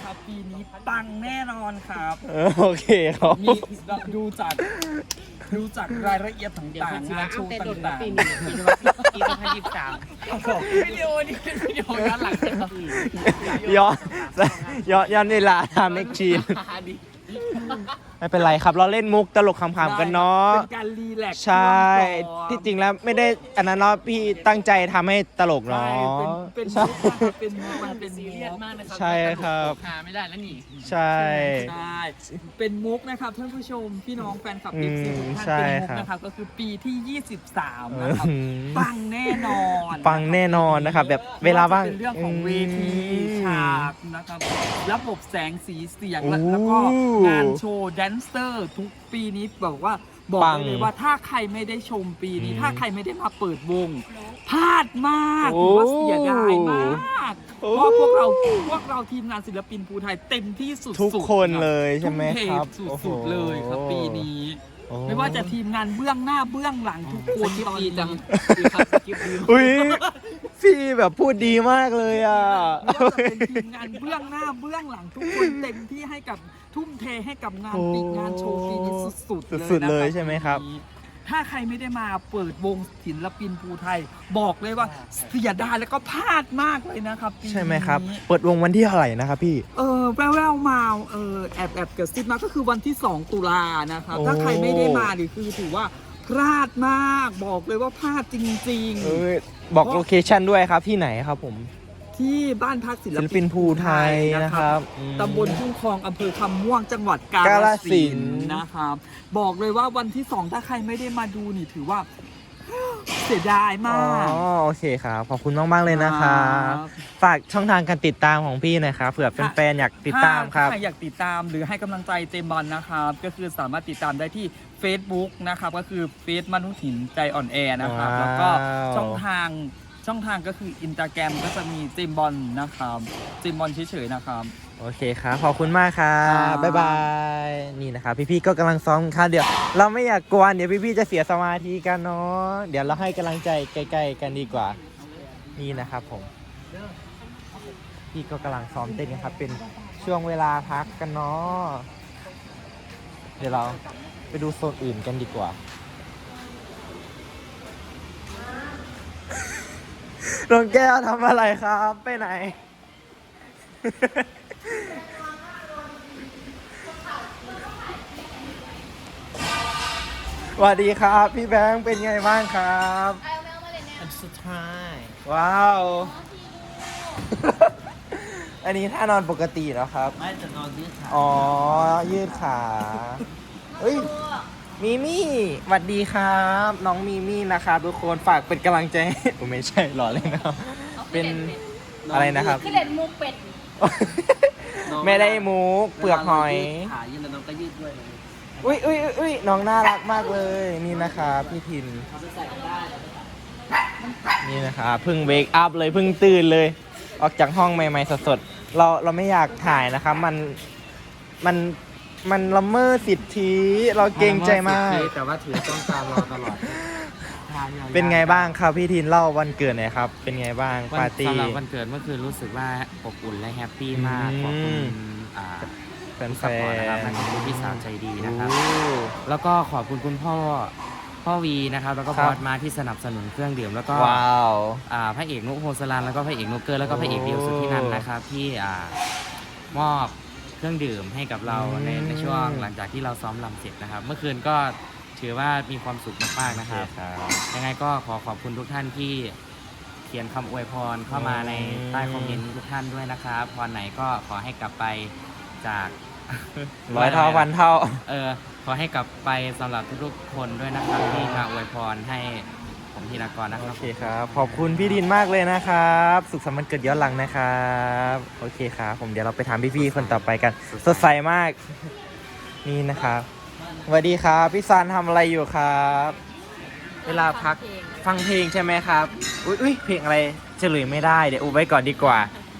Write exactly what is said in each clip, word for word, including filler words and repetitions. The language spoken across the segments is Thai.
นะครับปีนี้ปังแน่นอนครับโอเคครับมีดูจากดูจากรายละเอียดต่างๆงานโชว์ต่างปีนี้ปีนี้ปีสองพันยี่สิบสามๆวิดีโอนี้เป็นวิดีโอย้อนหลังครับย้อนย้อนย้อนเวลาทำเอ็กชีนไม่เป็นไรครับเราเล่นมุกตลกขำๆกันเนาะเป็นการรีแลกซ์ใช่ ที่จริงแล้วไม่ได้อันนั้นเนาะพี่ตั้งใจทำให้ตลกใช่เนาะเป็นเป็นใช่มุกนะครับเป็นมุกมันเป็นซีมุเรียสกมากนะครับใช่ครับหาไม่ได้แล้วนี่ใช่ใช่เป็นมุกนะครับท่านผู้ชมพี่น้องแฟนคลับอืเอมฟซีทุกท่านใช่เป็นมุกครับนะครับก็คือปีที่ยี่สิบสามนะครับอืมปังแน่นอนปังแน่นอนนะครับแบบเวลาว่างเป็นเรื่องของเวทีอืมฉากนะครับระบบแสงสีเสียงโอ้และแล้วก็งานโชว์แดนเซอร์ทุกปีนี้บอกว่าบอกปังได้เลยว่าถ้าใครไม่ได้ชมปีนี้อืมถ้าใครไม่ได้มาเปิดวงพลาดมากโอ้ถือว่าเสียดายมากโอ้เพราะพวกเราพวกเราทีมงานศิลปินภูไทยเต็มที่สุดๆทุกคนรับเลยใช่ไหมครับทุ่เทโอ้โหสุดๆเลยครับปีนี้โอ้ไม่ว่าจะทีมงานเบื้องหน้าเบื้องหลังทุกคนสคริปตอนต์ดีนี้จังดีครับสคริปต์ดีอุ้ยพี่แบบพูดดีมากเลยอ่ะไม่ว่าจะเป็นทีมงานเบื้องหน้าเบื้องหลังทุกคนเต็มที่ให้กับทุ่มเทให้กับงานโอ้ปีงานโชว์ปีนี้สุดๆเลยสุดๆเลยนะครับใช่ไหมครับปีนี้ถ้าใครไม่ได้มาเปิดวงศิลปินภูไทย บอกเลยว่าเสียดายแล้วก็พลาดมากเลยนะครับปีนี้ใช่ไหมครับ เปิดวงวันที่เท่าไหร่นะครับพี่เออแววๆมาเออแอบแอบเกิดซิบมาก็คือวันที่สองตุลานะครับโอ้ถ้าใครไม่ได้มานี่คือถือว่าพลาดมากบอกเลยว่าพลาดจริงเอ้ยบอกโลเคชั่นด้วยครับที่ไหนครับผมๆ ที่บ้านพักศิลศิลปิปินนภูไทยนะครับอืมตำบลทุ่งคลองอำเภอคำม่วงจังหวัดกาฬกาฬสิสินนธุ์ธุ์นะครับ บอกเลยว่าวันที่สองถ้าใครไม่ได้มาดูนี่ถือว่า เสียดายอ๋มากอโอเคครับขอบคุณมากๆเลยนะครับครับฝากช่องทางการติดตามของพี่หน่อยครับเผื่อแฟนๆอยากติดตามครับถ้ใครอยากติดตามหรือให้กำลังใจเจมส์บอลนะครับ ก็คือสามารถติดตามได้ที่ Facebook นะครับ ก็คือเฟซมนุษย์หินใจอ่อนแอนะครับว้าวแล้วก็ช่องทางช่องทางก็คืออินสตาแกรมก็จะมีเจมส์บอลนะครับเจมส์บอลเฉยๆนะครับโอเคครับขอบคุณมากครัครับ บบ๊ายบายนี่นะครับพี่ๆก็กำลังซ้อมค่ะเดี๋ยวเราไม่อยากกวนเดี๋ยวพี่ๆจะเสียสมาธิกันเนาะเดี๋ยวเราให้กำลังใจใกล้ๆกันดีกว่านี่นะครับผมพี่ก็กำลังซ้อมเต้นกันครับเป็นช่วงเวลาพักกันเนาะเดี๋ยวเราไปดูโซนอื่นกันดีกว่าน้องแก้วทำอะไรครับไปไหน สวัสดีครับพี่แบงค์เป็นไงบ้างครับอันสุดท้ายว้าว อันนี้ท่านอนปกติแล้วครับไม่จะนอนยืดขาอ๋อ ยืดขาเฮ้ย มีมี่สวัสดีครับ น้องมีมี่นะครับทุกคนฝากเป็นกำลังใจให้ ผมไม่ใช่หล่อเลยนะครับ เป็นอะไรนะครับคือเล่นมุกเป็ดไม่ได้มุกเปลือกหอยขายืดแล้วน้องก็ยืดด้วยเลยอุ้ยอุ้ยอุ้ยอุ้ยน้องน่ารักมากเลย นี่นะครับพี่ทินเขาจะใส่กันได้นี่นะครับเพิ่งเวกอัพเลยเพิ่งตื่นเลย ออกจากห้องใหม่ๆสดๆเราเราไม่อยากถ่ายนะครับ มันมันมันละเมิดสิทธิเราเกรงใจมากแต่ว่าถือต้องตามเราตลอดเป็นไงบ้างครับพี่ทินเล่าวันเกิดหน่อยครับ เป็นไงบ้างวันปาร์ตี้สำหรับวันเกิดเมื่อคืนรู้สึกว่าอบอุ่นและแฮปปี้มากอืมขอบคุณอ่าแฟนสปอร์ตนะครับและขอบคุณพี่สาวใจดีนะครับโอ้แล้วก็ขอบคุณคุณพ่อพ่อวีนะครับ แล้วก็ครับบอสมาที่สนับสนุนเครื่องดื่มแล้วก็ว้าวอ่าพระเอกนุกโฮสลันแล้วก็พระเอกนุกเกอร์แล้วก็พระเอกเดียวสุดที่นั่นนะครับ ที่อ่ามอบเครื่องดื่มให้กับเราอืมในในช่วงหลังจากที่เราซ้อมรำเสร็จนะครับ เมื่อคืนก็ถือว่ามีความสุขมากๆนะครับครับยังไงก็ขอขอบคุณทุกท่านที่เขียนคำอวยพรเข้ามาในใต้คอมเมนต์ทุกท่านด้วยนะครับพรไหนก็ขอให้กลับไปจากร้อยเท่าพันเท่าเออขอให้กลับไปสำหรับทุกๆคนด้วยนะครับที่มาอวยพรให้ผมธีรกรนะคโอรับเคครับ ขอบคุณพี่ดินมากเลยนะครับ สุขสันต์วันเกิดย้อนหลังนะครับ โอเคครับ ผมเดี๋ยวเราไปถามพี่ๆคนต่อไปกัน สดใสมาก นี่นะครับสวัสดีครับ พี่ซันทำอะไรอยู่ครับ เวลาพักฟังเพลงใช่ไหมครับ อุ้ยอุ้ยเพลงอะไรเฉลยไม่ได้ เดี๋ยวอุบไว้ก่อนดีกว่า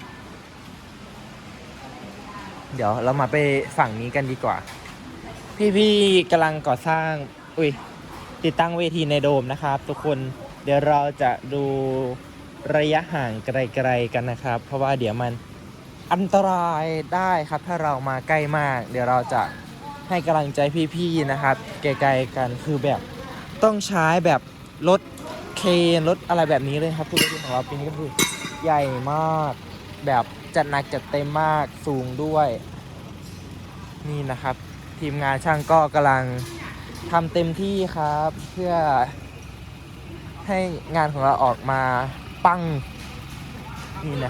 เดี๋ยวเรามาไปฝั่งนี้กันดีกว่า พี่ๆกำลังก่อสร้าง อุ้ย ติดตั้งเวทีในโดมนะครับทุกคนเดี๋ยวเราจะดูระยะห่างไกลๆกันนะครับ เพราะว่าเดี๋ยวมันอันตรายได้ครับถ้าเรามาใกล้มาก เดี๋ยวเราจะให้กำลังใจพี่ๆนะครับไกลๆกันคือแบบต้องใช้แบบรถเคนรถอะไรแบบนี้เลยครับทุกรถของเราปีนี้ก็คือใหญ่มากแบบจัดหนักจัดเต็มมากสูงด้วยนี่นะครับ ทีมงานช่างก็กำลังทำเต็มที่ครับ เพื่อให้งานของเราออกมาปังนี่นะ